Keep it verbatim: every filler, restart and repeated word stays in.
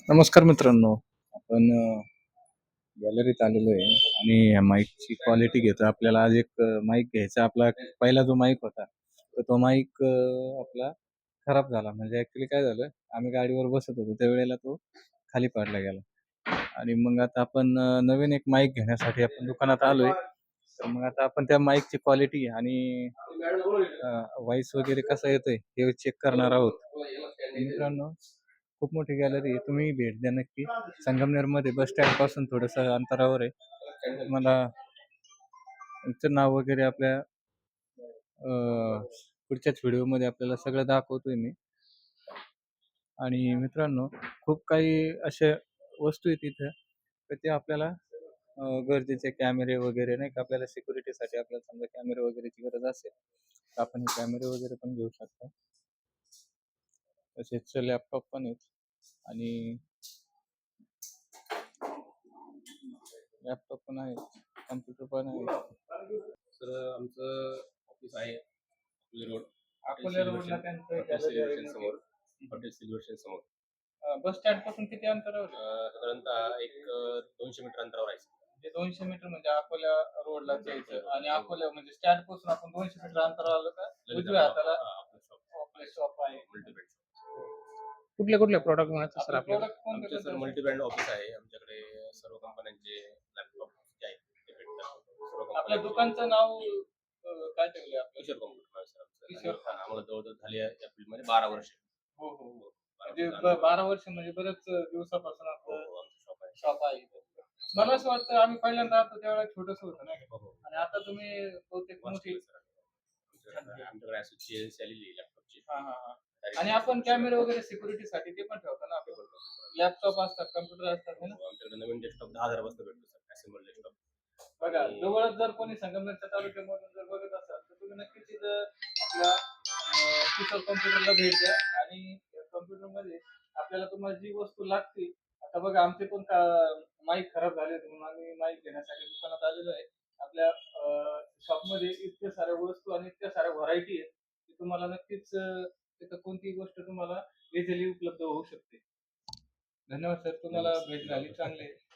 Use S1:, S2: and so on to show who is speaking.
S1: नमस्कार मित्रांनो. आपण अ, गॅलरीत आलेलो आहे आणि ह्या माईकची क्वालिटी घेतो. आपल्याला आज एक अ, माईक घ्यायचा. आपला पहिला जो माईक होता, तर तो माईक अ, आपला खराब झाला. म्हणजे ॲक्चुअली काय झालं, आम्ही गाडीवर बसत होतो त्यावेळेला तो खाली पाडला गेला. आणि मग आता आपण अ, नवीन एक माईक घेण्यासाठी आपण दुकानात आलोय. तर मग आता आपण त्या माईकची क्वालिटी आणि व्हॉईस वगैरे कसा येतोय हे चेक करणार आहोत. तर मित्रांनो, खूप मोठी गॅलरी आहे. तुम्ही भेट द्या नक्की. संगमनेरमध्ये बस स्टँडपासून थोडंसं अंतरावर आहे. तुम्हाला तुमचं नाव वगैरे आपल्या अ, पुढच्याच व्हिडिओमध्ये आपल्याला सगळं दाखवतोय मी. आणि मित्रांनो, खूप काही अशा वस्तू आहेत तिथं, तर ते आपल्याला अ, गरजेचे कॅमेरे वगैरे नाही का, आपल्याला सिक्युरिटीसाठी आपल्याला समजा कॅमेरे वगैरेची गरज असेल, तर आपण हे कॅमेरे वगैरे पण घेऊ शकता. तसेच लॅपटॉप पण आहेत आणि लॅपटॉप पण आहे, कॉम्प्युटर पण आहे.
S2: सर आमचं ऑफिस आहे अकोले रोड
S1: अकोले रोडला त्यांचं
S2: हॉटेल
S1: गॅलरी आहे
S2: सिल्वेशन
S1: मोठी.
S2: समोर हॉटेल सिल्वेशन समोर
S1: अ, बस स्टँड पासून किती अंतरावर आहे?
S2: अं, साधारणतः एक अं, दोनशे मीटर अंतरावर आहे.
S1: म्हणजे दोनशे मीटर म्हणजे अकोल्या रोडला जायचं आणि अकोल्या म्हणजे स्टँड पासून आपण दोनशे मीटर अंतरावर आलं का
S2: लगेच
S1: उजव्या
S2: आपलं-
S1: हाताला
S2: हा, आपलं शॉप
S1: आपले शॉप आहे.
S2: मल्टीब्रँड
S3: कुठल्या कुठल्या प्रॉडक्ट मिळतात सर
S1: आपले
S3: आपल्याला?
S1: प्रोडक्ट कोणते
S2: आमचे सर
S1: कोणते?
S2: मल्टीब्रँड ऑफिस आहे. आमच्याकडे सर्व कंपन्यांचे लॅपटॉप जे आहेत ते भेटतात. सर्व
S1: आपल्या
S2: कंपन्यांचे
S1: दुकानचं नाव अ, काय ठेवलंय आपलं?
S2: किशोर कॉम्प्युटर सर आमचं.
S1: किशोर
S2: आणि, हा, आम्हाला जवळजवळ झाली आहे या फील्डमध्ये बारा वर्ष.
S1: हो हो हो.
S2: बारा
S1: म्हणजे
S2: वर्ष
S1: ब-
S2: अनुभव.
S1: बारा वर्ष म्हणजे बरेच दिवसापासून
S2: हो
S1: आपलं
S2: हो आमचं शॉप आहे.
S1: शॉप आहे इथं. मला असं वाटतं आम्ही पहिल्यांदा आलो त्यावेळेला छोटस होतं नाही का?
S2: हो हो
S1: आणि आता तुम्ही बहुतेक मोठी.
S2: आमच्याकडे आमच्याकडे अशी आलेली आहे लॅपटॉपची.
S1: हा हा हा. आणि आपण कॅमेरे वगैरे सिक्युरिटीसाठी ते पण ठेवतो ना आपण. लॅपटॉप असतात, कम्प्युटर असतात है ना.
S2: आमच्याकडे नवीन डेस्कटॉप दहा हजार वाजता भेटतो सर. Assemble desktop.
S1: बघा जवळच जर कोणी संगमनेरच्या तालुक्यामधून जर बघत असाल तर तुम्ही नक्कीच तिथं आपल्या अं, किशोर कॉम्प्युटरला भेट द्या आणि कॉम्प्युटरमध्ये आपल्याला तुम्हाला जी वस्तू लागते. आता बघा आमचे पण माईक खराब झाले होते म्हणून आम्ही माईक घेण्यासाठी दुकानात आलेलो आहे. आपल्या शॉपमध्ये इतक्या साऱ्या वस्तू आणि इतक्या साऱ्या व्हरायटी आहेत की तुम्हाला नक्कीच अं, तिथं कोणतीही गोष्ट तुम्हाला इझिली उपलब्ध होऊ शकते. धन्यवाद सर, तुम्हाला भेट झाली चांगली.